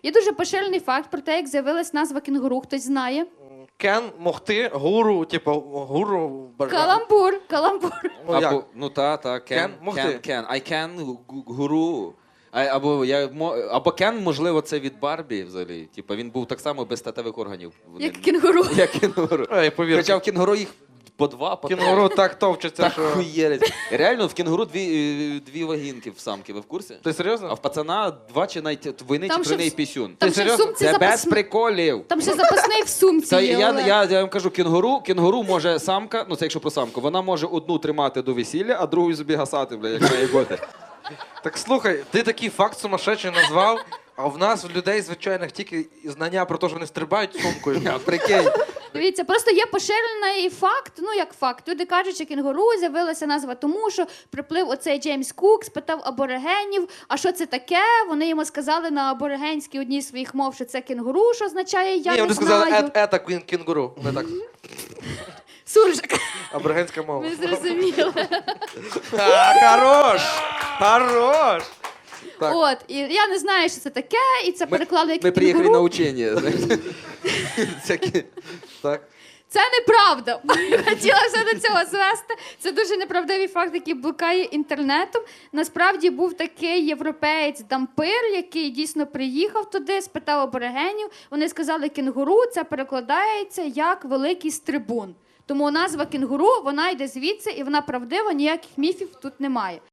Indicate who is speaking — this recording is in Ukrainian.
Speaker 1: Є дуже поширений факт про те, як з'явилась назва кінгуру. Хтось знає?
Speaker 2: Кен, могти, гуру, типу, гуру.
Speaker 1: Каламбур, каламбур.
Speaker 2: Ну, як?
Speaker 3: Або, ну та,
Speaker 2: Can, могти.
Speaker 3: can. I can, гуру. Або Кен, можливо, це від Барбі взагалі. Типа він був так само без статевих органів.
Speaker 1: Як кінгуру.
Speaker 3: Як кінгуру.
Speaker 2: Ей, повір.
Speaker 3: Хоча в кінгуру їх по два, по три.
Speaker 2: Кінгуру так товчеться,
Speaker 3: Так
Speaker 2: що...
Speaker 3: хуєрить. Реально, в кінгуру дві вагінки в самки, ви в курсі?
Speaker 2: Ти серйозно?
Speaker 3: А в пацана два чи навіть двойний
Speaker 1: Там
Speaker 3: чи
Speaker 1: ще
Speaker 3: тройний
Speaker 1: в-
Speaker 3: пісюн.
Speaker 1: Там
Speaker 2: Ти
Speaker 1: ще в
Speaker 2: серйозно?
Speaker 1: сумці
Speaker 3: Це без
Speaker 1: запасний.
Speaker 3: приколів.
Speaker 1: Там ще запасний в сумці
Speaker 3: Та
Speaker 1: є,
Speaker 3: я
Speaker 1: Олег.
Speaker 3: вам кажу, кінгуру може самка, ну це якщо про самку, вона може одну тримати до весілля, а другу собі гасати, бля, як має бути.
Speaker 2: Так слухай, ти такий факт сумасшедший назвав, а в нас, в людей звичайних, тільки знання про те, що вони стрибають сумкою.
Speaker 3: Прикинь.
Speaker 1: Дивіться, просто є поширений факт, ну як факт. Люди кажуть, що кінгуру з'явилася назва тому, що приплив оцей Джеймс Кук, спитав аборигенів, а що це таке? Вони йому сказали на аборигенській одній з своїх мов, що це кінгуру, що означає «я
Speaker 2: Ні,
Speaker 1: не
Speaker 2: вони сказали
Speaker 1: знаю».
Speaker 2: ета кінгуру. Не так.
Speaker 1: Суржик,
Speaker 2: Аборигенська мова.
Speaker 1: ви зрозуміли.
Speaker 2: Хорош! Хорош! Так.
Speaker 1: От, і я не знаю, що це таке, і це переклали як
Speaker 3: Ми приїхали на
Speaker 1: кінгуру.
Speaker 3: учення. знаєте. Всякі.
Speaker 2: Так.
Speaker 1: Це неправда. Хотіла все до цього звести. Це дуже неправдивий факт, який блукає інтернетом. Насправді був такий європеєць-дампир, який дійсно приїхав туди, спитав аборигенів. Вони сказали кінгуру, це перекладається як великий стрибун. Тому назва кінгуру, вона йде звідси, і вона правдива, ніяких міфів тут немає.